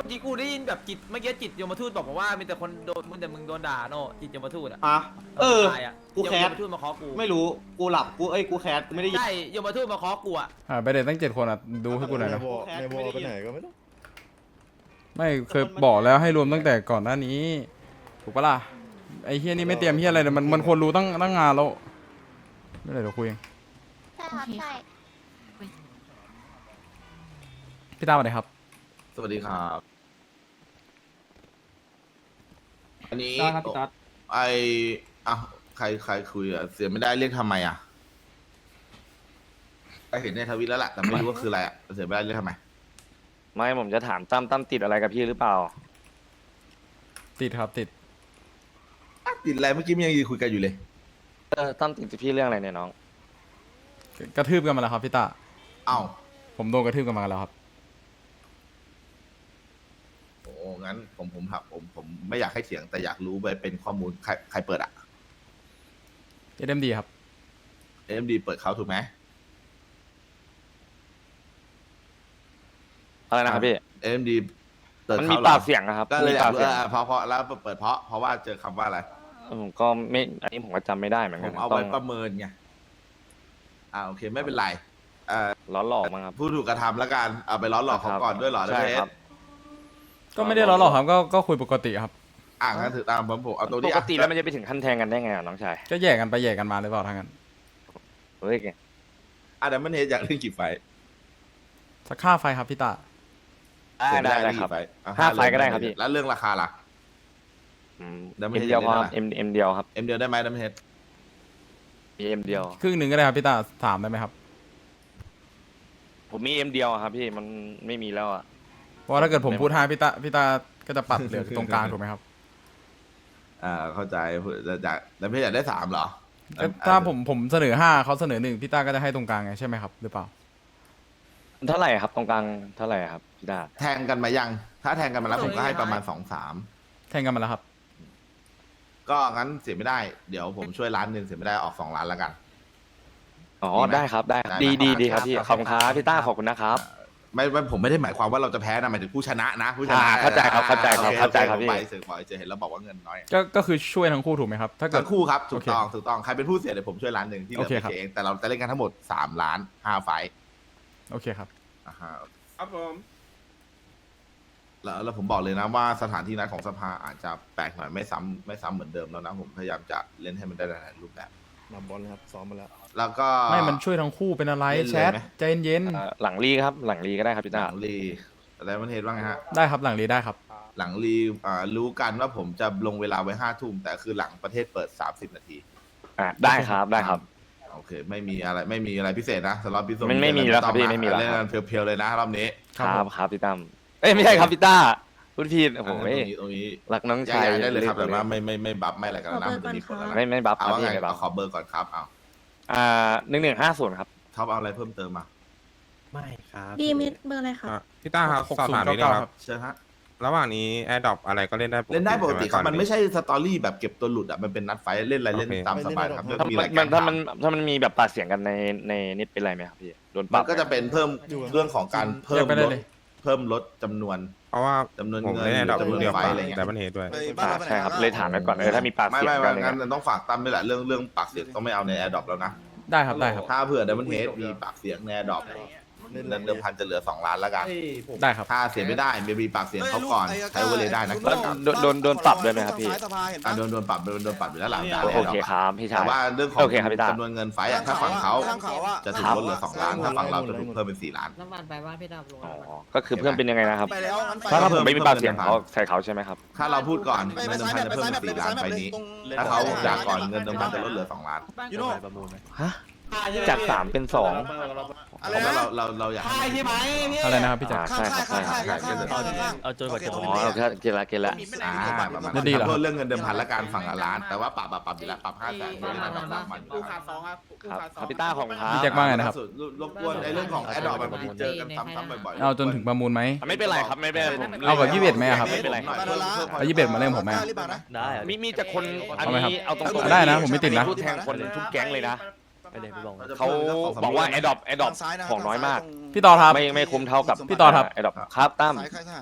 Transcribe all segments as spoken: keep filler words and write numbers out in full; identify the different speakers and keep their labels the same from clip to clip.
Speaker 1: ที่กูได้ยินแบบจิตเมื่อกี้จิตยมทูตบอกว่ามีแต่คนโดนมึงแต่มึงโดนด่าโน่จิตยมทูตอ่ะ
Speaker 2: อ่ะเออ
Speaker 1: ตายอ่ะ
Speaker 2: กูแคส
Speaker 1: ยมทูตมาเคาะกู
Speaker 2: ไม่รู้กูหลับกูเอ้ยกูแคสกูไม่ได้ยิน
Speaker 1: ใช่ยมทูตมาเคาะกูอ่ะ
Speaker 3: อ่าไปเด็ตั้งเจ็ดคนอ่ะดูให้กูหน่อยนะ
Speaker 4: ในวอลไปไหนก็ไม่รู้
Speaker 3: ไม่เคยบอกแล้วให้รวมตั้งแต่ก่อนหน้านี้ถูกปะล่ะไอ้เฮียนี่ไม่เตรียมเฮียอะไรเลยมันมันควรรู้ตั้งตั้งงานแล้วไม่เป็นไรเดี๋ยวคุยเอง
Speaker 5: ใช่ครับใช่
Speaker 3: พี่ตามมาเลยครับ
Speaker 6: สวัสดีครับ อันนี้
Speaker 2: ได้ครับพี่ต๊อด
Speaker 6: ไออ่ะใครใครคุยอ่ะเสียไม่ได้เรียกทำไมอ่ะไปเห็นในทวิตแล้วแหละแต่ไม่รู้ว่าคืออะไรอ่ะเสียไม่ได้เรียกทำไม
Speaker 7: ไม่ผมจะถามตั้มตั้มติดอะไรกับพี่หรือเปล่า
Speaker 3: ติดครับติด
Speaker 6: อ่ะติดอะไรเมื่อกี้มันยังยืนคุยกันอยู่เลย
Speaker 7: เออตั้มติดกับพี่เรื่องอะไรเนี่ยน้อง
Speaker 3: กระทืบกันมาแล้วครับพี่ตา
Speaker 6: เอ้า
Speaker 3: ผมโดนกระทืบกันมาแล้วครับ
Speaker 6: โอ้งั้นผมผมถามผมผมไม่อยากให้เถียงแต่อยากรู้ไปเป็นข้อมูลใครใครเปิดอ่ะ
Speaker 3: เอ็มดีครับ
Speaker 6: เอ็มดีเปิดเขาถูกไหม
Speaker 7: อะไรนะครับพี่
Speaker 6: เอ็มดีเปิด
Speaker 7: มัน
Speaker 6: เขา
Speaker 7: มี
Speaker 6: เหรอ
Speaker 7: ปากเสียงนะครับ
Speaker 6: ก็เลย
Speaker 7: มี
Speaker 6: อยา
Speaker 7: ปาก ก
Speaker 6: รู้
Speaker 7: เสียง
Speaker 6: อ่ะเพราะเพราะแล้วเปิดเพราะเพราะว่าเจอคำว่าอะไร
Speaker 7: ผมก็ไม่อันนี้ผมก็จำไม่ได้เหมือน
Speaker 6: ผ
Speaker 7: กัน
Speaker 6: มเอา
Speaker 7: ต้
Speaker 6: ไว้
Speaker 7: อง
Speaker 6: ประเมินไงอ่าโอเคไม่เป็นไรเอ่อ
Speaker 7: ล้อหลอกมั้งครับ
Speaker 6: ผู้ถูกกระทำแล้วกันเอาไปล้อหลอกเขาก่อนด้วยเหรอ
Speaker 7: ใช่
Speaker 6: เด
Speaker 7: ครับ
Speaker 3: ก็ไม่ได้ล้อหรอกครับก็ก็คุยปกติครับ
Speaker 6: อ่างั้นถือตามผมผมเอาตัว
Speaker 7: ป
Speaker 6: นี้
Speaker 7: ก
Speaker 6: อ่ะ
Speaker 7: ติแล้วมันจะไปถึงขั้นแทงกันได้ไงอ่ะน้องชาย
Speaker 3: ก็แยกกันไปแยกกันมาหรือเปล่าทางนั้น
Speaker 7: เฮ้ย
Speaker 6: อ่ะเดี๋ยวมันเฮดอยากเล่นกี่ไฟท์
Speaker 3: สักค่าไฟครับพี่ตา
Speaker 6: เสีย
Speaker 7: ได้
Speaker 6: ม่
Speaker 7: ได้
Speaker 6: เล่น
Speaker 7: ครับ
Speaker 6: กี่ฟท์อ่ะ
Speaker 7: ห้าไฟท์
Speaker 6: เรื่อง
Speaker 7: ก็ได้ครับพี่
Speaker 6: แล้วเรื่องราคาล่ะ
Speaker 7: อืม
Speaker 6: เดี๋ยวไม่
Speaker 7: เอ็ม
Speaker 6: เห็น
Speaker 7: เดียวพอ
Speaker 6: เลยนะ
Speaker 7: เอ็มเอ็มเดียวครับ
Speaker 6: เอ็มเดียวได้ไหมเดมเฮด
Speaker 7: มีเอ็มเดียว
Speaker 3: ครึ่งหนึ่งก็ได้ครับพี่ตาถามได้ไหมครับ
Speaker 7: ผมมีเอ็มเดียวอะครับพี่มันไม่มีแล้วอ่ะ
Speaker 3: เพราะว่าถ้าเกิดผมพูดห้าพี่ตาพี่ตาก็จะปัดเหลือตรงกลางถูกไหมครับ
Speaker 6: อ่าเข้าใจจากเดมเฮดอยากได้สามเหรอ
Speaker 3: ก็ถ้าผมผมเสนอห้าเขาเสนอหนึ่งพี่ตาก็จะให้ตรงกลางไงใช่ไหมครับหรือเปล่า
Speaker 7: เท่าไหร่ครับตรงกลางเท่าไหร่ครับพี่ดา
Speaker 6: แทงกันมายัง ถ้าแทงกันมาแล้วผมก็ให้ประมาณสองสาม
Speaker 3: แทงกันมาแล้วครับ
Speaker 6: ก็งั้นเสียไม่ได้เดี๋ยวผมช่วยล้านหนึ่งเสียไม่ได้ออกสองล้านแล้วกัน
Speaker 7: อ๋อ
Speaker 6: ดีไหม
Speaker 7: ได้ครับได้ครับ
Speaker 6: ได้
Speaker 7: ดี
Speaker 6: นะ
Speaker 7: ดีดีครับพี่
Speaker 6: ครับ
Speaker 7: ขอบคุณครับพี่ต้าขอบคุณนะครับ
Speaker 6: ไม่ไม่ผมไม่ได้หมายความว่าเราจะแพ้นะหมายถึงผู้ชนะนะผู้ชนะ
Speaker 7: อ่าเข้าใจครับเข้าใจครับ
Speaker 6: โอ
Speaker 7: เข้าใจครับ
Speaker 6: โอ
Speaker 7: พี่
Speaker 6: ไปสื่อบอกจะเห็นแล้วบอกว่าเงินน้อย
Speaker 3: ก็ก็คือช่วยทั้งคู่ถูกไหมครับถ้าเกิด
Speaker 6: ทั้งคู่ครับถูกต้อง
Speaker 3: โอเค
Speaker 6: ถูกต้องใครเป็นผู้เสียเดี๋ยวผมช่วยล้านหนึ่งที่เหลือ
Speaker 3: โอเค
Speaker 6: ไป
Speaker 3: ครับ
Speaker 6: เองแต่เราจะเล่นกันทั้งหมดสามล้านห้าไฟท์
Speaker 3: โอเคครับ
Speaker 6: อ่าฮะ
Speaker 2: ครับผม
Speaker 6: แล้วแล้วผมบอกเลยนะว่าสถานที่นัดของสภาอาจจะแปลกหน่อยไม่ซ้ำไม่ซ้ำเหมือนเดิมแล้วนะผมพยายามจะเล่นให้มันได้หลายๆรูปแบบ
Speaker 4: มาบอลครับซ้อมมาแล้ว
Speaker 6: แล้วก็
Speaker 3: ไม่มันช่วยทั้งคู่เป็นอะไร
Speaker 6: เล่นเลย
Speaker 3: แชท
Speaker 6: ไหม
Speaker 3: ใจเย็น
Speaker 7: เอ่อหลังรีครับหลังรีก็ได้ครับพี่
Speaker 6: ห
Speaker 7: ต้า
Speaker 6: ลังรีอะไรมันเห็นว่าไงฮะ
Speaker 3: ๆได้ครับหลังรีได้ครับ
Speaker 6: หลังรีอ่ารู้กันว่าผมจะลงเวลาไว้ห้าทุ่มแต่คือหลังประเทศเปิดสามสิบนาที
Speaker 7: อ่ะได้ครับได้ครับ
Speaker 6: โอเค ไม่มีอะไรไม่มีอะไรพิเศษนะสล็อตพิเศษ
Speaker 7: ไม่ไม่มีแล้วครับพี่ไม่มีแล้ว
Speaker 6: เล่นกันเพียวๆเลยนะรอบนี้
Speaker 3: ครับ
Speaker 7: ค
Speaker 3: ผ
Speaker 7: รับ
Speaker 3: ม
Speaker 7: ครับพี่ตั้มเอ้ยไม่ใช่ครับพี่ต้าพูดผิดโอ้โห
Speaker 6: ตรงนี้ตรงนี้
Speaker 7: รักน้อง
Speaker 6: ย้า
Speaker 7: ชาย
Speaker 6: ยได้เลยครับ
Speaker 7: รี
Speaker 6: แต่
Speaker 7: บ
Speaker 6: ว่าไม่ไม่ไม่บัฟไม่อะไรกันแล้วนะมันจะมีผลแล้วนะ
Speaker 7: ไม่ไม่บัฟค
Speaker 6: เอา
Speaker 7: รับ
Speaker 6: ว่า
Speaker 7: พี่
Speaker 6: ไง
Speaker 7: ไม่บัฟ
Speaker 6: เอาขอเบอร์ก่อนครับเอา
Speaker 7: อ่าหนึ่งหนึ่งห้าศูนย์ครับ
Speaker 6: ท็อปเอาอะไรเพิ่มเติมมา
Speaker 8: ไม่ครับ
Speaker 5: ดีมิดเบอร์อะไรคะ
Speaker 8: อ่ะพี่ต้าครับ
Speaker 3: หก
Speaker 8: สอบ
Speaker 3: ศูน
Speaker 8: ถาม
Speaker 3: ย์
Speaker 8: นิดนึ
Speaker 3: เก้าง เก้า
Speaker 8: ค
Speaker 3: ครั
Speaker 8: รับ
Speaker 3: บ
Speaker 6: เชิญฮะ
Speaker 8: ระหว่างนี้แอร์ดรอปอะไรก็เล่นได้ปกติ
Speaker 6: เล่นได้ปกติครับ
Speaker 8: ใช่ห
Speaker 6: มันไม่ใช่สตอรี่แบบเก็บตัวหลุดอ่ะมันเป็นนัดไฟท์เล่นอะไรเล่น
Speaker 8: โอเค
Speaker 6: ตามสบายครับ
Speaker 4: ไม่
Speaker 6: เรื่อง
Speaker 4: เล่น
Speaker 6: มีอะไร
Speaker 7: มันถ้ามัน
Speaker 6: ถ
Speaker 7: ถ้ามันมีแบบปากเสียงกันในในนี่เป็นไรไหมครับพี่โดนป
Speaker 6: มั
Speaker 7: รับ
Speaker 6: นก็จะเป็นเพิ่มเรื่องของการเพิ่
Speaker 3: เรี
Speaker 6: ม
Speaker 3: ยกไปได้
Speaker 6: ลด
Speaker 3: เลย
Speaker 6: เพิ่มลดจำนวน
Speaker 8: เพราะว่า
Speaker 6: จำนวน
Speaker 8: ผม
Speaker 6: เงิน
Speaker 8: เล่นแอร์ดรอป
Speaker 6: จำนวน
Speaker 8: เดียว
Speaker 6: ไฟ
Speaker 8: กับ
Speaker 6: อะไรเงี้ย
Speaker 8: แต่มันเหตุด้วย
Speaker 7: อ่าใช่ครับเลยถามไปก่อนเออถ้ามีปาก
Speaker 6: ไม่
Speaker 7: เสียง
Speaker 6: ไม่
Speaker 7: กั
Speaker 6: ไม่
Speaker 7: นอะไร
Speaker 6: งั้
Speaker 7: เงี้
Speaker 6: น
Speaker 7: ย
Speaker 6: ต้องฝากตั้มด้วยแหละเรื่องเรื่องปากเสียงต้องไม่เอาในแอร์ดรอปแล้วนะ
Speaker 3: ได้ครับได้ครับ
Speaker 6: ถ้าเผื่อดัมเบิลเฮดมีปากเสียงในแอร์ดรอปเงินเดิมพันจะเหลือสองล้านแล้วกัน
Speaker 3: ได้ครับ
Speaker 6: ถ้าเสียไม่ได้เบบีปากเสียงเขาก่อนใช้เวลาได้นะ
Speaker 7: แล้วโดนโดนโดนปรับด้วยไหมครับพี่
Speaker 6: อ่ะโดนโดนปรับโดนโดนปรับอยู่แล้วหลังจาก
Speaker 7: โอเคครับพี่ชา
Speaker 6: แต่
Speaker 7: ย
Speaker 6: ว่าเรื่องของ
Speaker 7: โอเคครับพี่ตา
Speaker 6: จำนวนเงินไฟอ่ะถ้าฝั่งเขาจะถูกลดเหลือสองล้านถ้าฝั่งเราจะถูกเพิ่มเป็นสี่ล้าน
Speaker 9: น้ำมันไปบ้านพี่ดำลง
Speaker 7: อ๋อก็คือเพิ่มเป็นยังไงนะครับ
Speaker 4: ไปแล้วงั้นไป
Speaker 7: ถ้าถ้าผมไม่มีปากเสียง
Speaker 6: เพิ่ม
Speaker 7: เขาใส่เขาใช่ไหมครับ
Speaker 6: ถ้าเราพูดก่อนเงินเดิมพันจะเพิ่มเป็นสี่ล้านไฟนี้ ถ้าเขาอยากก่อนเงินเดิมพันจะลดเหลือสองล้าน
Speaker 4: ยูโน่
Speaker 7: ฮะจากสามเป็นสอง
Speaker 4: อะไร
Speaker 6: เพราะ
Speaker 4: นะ
Speaker 6: ว่าเราเราเราอยากให้
Speaker 1: ใช่ไหมพี่
Speaker 3: อะไรนะครับพี่แจ็ค
Speaker 7: อ่าใช่ครับใช่ครับ
Speaker 6: ใช่ใช่
Speaker 9: เอาจนกว่าจะ
Speaker 7: อ๋อโอเคเกลละเกลละ
Speaker 6: อ่าประมาณ
Speaker 3: จะดีเหรอ
Speaker 6: ขอโทษเรื่องเงินเดิมพันและการฝั่งละล้าน แต่ว่าปรับปรับปรับอยู่แล้วปรับห้าแสนไม่ได้ปรับสามพัน
Speaker 2: กูขาดสองครับกู
Speaker 7: ครับ
Speaker 2: ขาดส
Speaker 7: ค
Speaker 2: อ
Speaker 7: รั
Speaker 2: ง
Speaker 7: บพี่ต้าของครับ
Speaker 3: พี่แจ็คว่าไงนะครับ
Speaker 6: รบกวนในเรื่องของแอดดอปมันเจอกันซ้ำๆบ่อยๆ
Speaker 3: เอาจนถึงประมูลไหม
Speaker 7: ไม่เป็นไรครับไม่เป็นไรผม
Speaker 3: เอาแบบยี่สิบเอ็ดไหมอะครับ
Speaker 7: ไม่เป็นไร
Speaker 3: เอายี่สิบเอ็ดมาเล่นผมไหมอะ
Speaker 9: ได้อะ
Speaker 7: มีมีแต่คนอัน
Speaker 3: เอาไหมครับ
Speaker 7: นี้เอาตรงๆ
Speaker 3: ได้นะผมไม่ติดนะ
Speaker 7: พูดแทนคนทุกแก๊งเลยนะ
Speaker 9: ไปเลยพี่บอง
Speaker 7: เขาบอกว่าไอดอปไอดอปของน้อยมาก
Speaker 3: พี่ต่อครับ
Speaker 7: ไม่ไม่คุ้มเท่ากับ
Speaker 3: พี่ต่อครับ
Speaker 7: ไอดอปครับตั้ม
Speaker 4: สายค่ายทหารครับ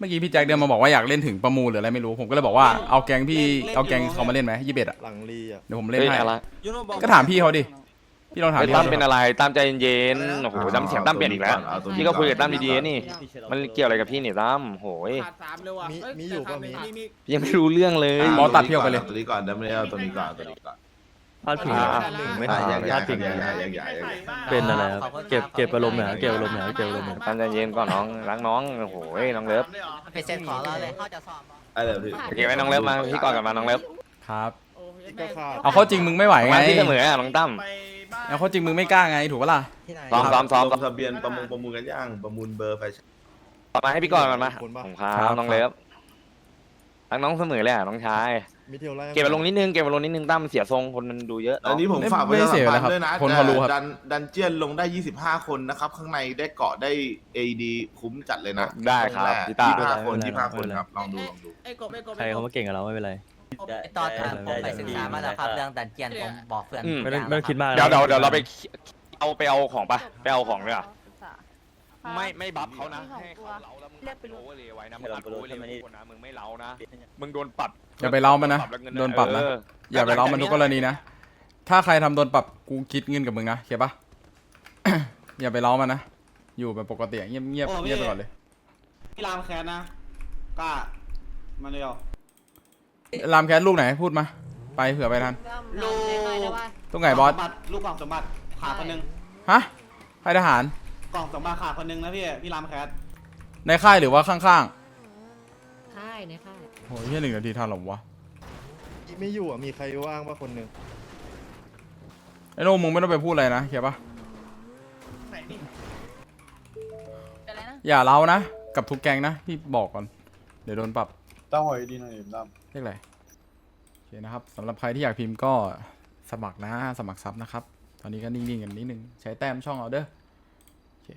Speaker 3: มื่อกี้พี่แจ็คเดินมาบอกว่าอยากเล่นถึงประมูลหรืออะไรไม่รู้ผมก็เลยบอกว่าเอาแก๊งพี่เอาแก๊งเขามาเล่นไหมยี่สิบเอ็ดอะ
Speaker 4: หลังรีอ่ะ
Speaker 3: เดี๋ยวผมเล่น
Speaker 7: เฮ้ย
Speaker 3: ให้
Speaker 7: อะไร
Speaker 3: ก็ถามพี่เขาดิพี่ลองถาม
Speaker 7: เฮ้ย
Speaker 3: พี่
Speaker 7: ตั้
Speaker 3: เขา
Speaker 7: มเป็นอะไรตั้มใจเย็นๆโอ้โหตั้มเสียงตั้มเปลี่ยนอีกแล้ว
Speaker 6: เอาตัวนี้
Speaker 7: พี่ก็คุยกับตั้มดีๆนี่
Speaker 9: พี่เฉิน
Speaker 7: มันเกี่ยวอะไรกับพี่เนี่ยตั้มโหย
Speaker 2: ขาดสามเลยว่ะ
Speaker 4: มี
Speaker 2: เอ้
Speaker 4: มีอยู่ป่ะมี
Speaker 2: มีมี
Speaker 7: ยังไม่รู้เรื่องเลย
Speaker 3: บอสตัดเที่ยวไปเลย
Speaker 6: ตัวนี้ก่อนเดี๋ยวไม่เอาตัวนี้ก่อนเอาตัวนี้ก่อน
Speaker 9: พลาดผิง
Speaker 7: อ่า
Speaker 9: อะ
Speaker 4: หนึ่งไม่
Speaker 6: อ่ะ
Speaker 4: ขาด
Speaker 6: แยก
Speaker 4: เลย
Speaker 6: ย้าย
Speaker 9: พลาดผิง
Speaker 6: แยกย้ายแยกย้ายแยกย้าย
Speaker 9: เป็นอะไรครับเก็บเก็บอารมณ์หน่อยครับเก็บอารมณ์หน่อยครับเก็บอารมณ์หน่อย
Speaker 7: ตั้มใจเย็นก่อนน้องรักน้องโอ้โหยน้องเลิฟ
Speaker 10: ไปเซ็นขอเราเลยเขาจะสอบ
Speaker 6: ไอ้เดี๋ยวพี่
Speaker 7: โอเคไหมน้องเลิฟมาพี่ก่อนกันมาน้องเลิฟ
Speaker 3: ครับ
Speaker 2: โอ้ย
Speaker 4: ก็ขาด
Speaker 3: เอาเข้าจริงมึงไม่ไหวไง
Speaker 7: มาที่เสมออ่ะน้องตั้ม
Speaker 2: ไปบ้าน
Speaker 3: เอาเข้าจริงมึงไม่กล้าไงถูกปะล่ะ
Speaker 10: ที่ไหน
Speaker 7: ซ้อมซ้อมซ้อม
Speaker 6: ลงทะเบียนประมูลประมูลกันย่างประมูลเบอร์ไฟฉาย
Speaker 7: มาให้พี่ก่อนกันมาผมครับน้องเลิฟรักน้องเสมอเลยอ่ะน้องชาย
Speaker 4: มีเที่ยวไล่
Speaker 7: เก็บอารมณ์นิดนึงเก็บอารมณ์นิดนึงตั้มเสียทรงคนมันดูเยอะ
Speaker 6: อันนี้ผม
Speaker 3: ไม่
Speaker 6: ฝากประ
Speaker 3: ไม่
Speaker 6: ชา
Speaker 3: เสี
Speaker 6: สั
Speaker 3: ย
Speaker 6: ม
Speaker 3: เลย
Speaker 6: พัน
Speaker 3: ครับ
Speaker 6: ธ์ด้วยนะ
Speaker 3: คนเขารู้ครับ
Speaker 6: ดันดันเจียนลงได้ยี่สิบห้าคนนะครับ ข้างในได้เกาะได้ เอ ดี คุ้มจัดเลยนะ
Speaker 7: ได้ครับพี่ตา
Speaker 6: ยี่สิบห้าคนยี่สิบห้าคนครับลองดูลองดู
Speaker 2: ไอ้กบไอ้กบ
Speaker 9: ใครเขามาเก่งกับเราไม่เป็นไร
Speaker 10: ไอ้ตอนอ่ะผมไปศึกษามาแล้วครับเรื่องดันเจียนผมบอกเพื่อน
Speaker 7: อืม
Speaker 9: ไม่ต้องไม่ต้องคิดมากนะ
Speaker 7: เดี๋ยวเดี๋ยวเดี๋ยวเราไปเอาไปเอาของปะไปเอาของด้วยอ่ะไม่ไม่บัฟเขานะให้เขาเล้าแล้วมึงโอเวอร์เลยไว้นะมึงอัดโอเวอร์เลยไว้คนนะมึงไม่เล้านะมึงโดนปรับ
Speaker 3: อย่าไปเล้ามันนะ
Speaker 7: แล้วเงิ
Speaker 3: โดนปรับนะ
Speaker 7: เออ
Speaker 3: อย่าไปเล้ามันทุกกรณีนะถ้าใครทำโดนปรับกูคิดเงินกับมึงนะเข้าปะ อย่าไปเล้ามันนะอยู่แบบปกติเงียบเงียบเงียบไปก่อนเลย
Speaker 2: พี่รามแคนนะกล้ามาเร็ว
Speaker 3: รามแคสลูกไหนพูดมาไปเผื่อไปทัน
Speaker 2: ลูก
Speaker 3: ตรงไหนบอส
Speaker 2: สมบัติลูกกล่องสมบัติขาดคนหนึง
Speaker 3: ฮะค่ายทหาร
Speaker 2: กล่องสมบัติขาดคนหนึงนะพี่พี่รามแคส
Speaker 3: ในค่ายหรือว่าข้าง
Speaker 5: ค่ายในค่าย
Speaker 3: ๆโอ้ยแค่หนึ่งนาทีทันหรอวะ
Speaker 4: ไม่อยู่อ่ะมีใครว่างป่ะคนหนึ่ง
Speaker 3: ไอ้โน่มึงไม่ต้องไปพูดอะไรนะเข้าปะ
Speaker 2: ไหนนี่
Speaker 5: อะไรนะ
Speaker 3: อย่าเล้านะกับทุกแกงนะพี่บอกก่อนเดี๋ยวโดนปรับ
Speaker 2: ต้องหอยดีหน่อยตั้ม
Speaker 3: เรียกอะไรโอเคนะครับสำหรับใครที่อยากพิมพ์ก็สมัครนะสมัครซับนะครับ ตอนนี้ก็นิ่งๆกันนิดนึงใช้แต้มช่องเอาเด้อโอเค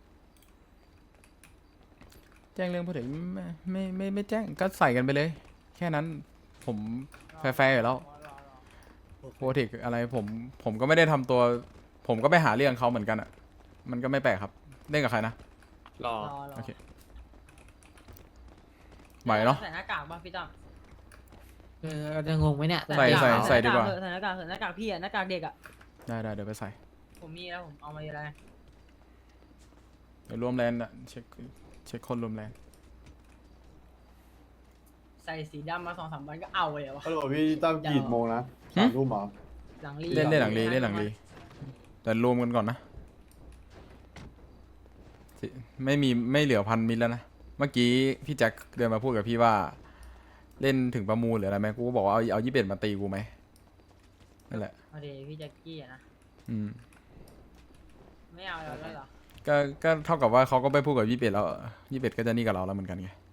Speaker 3: แจ้งเรื่องพูดถึงไม่ไม่ไม่ไม่แจ้งก็ใส่กันไปเลย แค่นั้นผมแฟร์ๆอยู่แล้วโปรเทคอะไรผมผมก็ไม่ได้ทำตัว ผมก็ไปหาเรื่องเขาเหมือนกันอ่ะมันก็ไม่แปลกครับเล่นกับใครนะ
Speaker 9: รอ
Speaker 3: โอเคไหวเนาะ
Speaker 11: ใส่หน้ากากป่ะพี่ตั้ม
Speaker 5: เออจะงงไหมเนี่ย
Speaker 3: ใส่ใส่ใส่ดีกว่า
Speaker 11: ใส่หน้ากากเถอะหน้ากากพี่อะหน้ากากเด็กอะ
Speaker 3: ได้ได้เดี๋ยวไปใส่
Speaker 11: ผมมีแล้วผมเอามาเยอะแล้ว
Speaker 3: เดี๋ยวรวมแลนด์อะเช็คเช็คคนรวมแลนด์
Speaker 11: ใส่สีดำมาสองสามวันก็เอาเลยวะ
Speaker 2: ฮัลโหลพี่ตั้มกี่โมงนะสามทุ่มเหรอ
Speaker 11: หลังรี
Speaker 3: เล่นเล่นหลังรีเล่นหลังรีแต่รวมกันก่อนนะสิไม่มีไม่เหลือพันมิลแล้วนะเมื่อกี้พี่แจ็คเดินมาพูดกับพี่ว่า เล่นถึงประมูลหรืออะไรไหมกูก็บอกว่าเอาเอายี่สิบเอ็ดมาตีกูไหมนั่นแหละ
Speaker 11: เอาดีพี่แจ็คกี้อะนะ
Speaker 3: อืม
Speaker 11: ไม่เอาแล้วเหรอ
Speaker 3: ก็ก็เท่ากับว่าเขาก็ไปพูดกับยี่สิบเอ็ดแล้วยี่สิบเอ็ดก็จะนี่กับเราแล้วเหมือนกันไง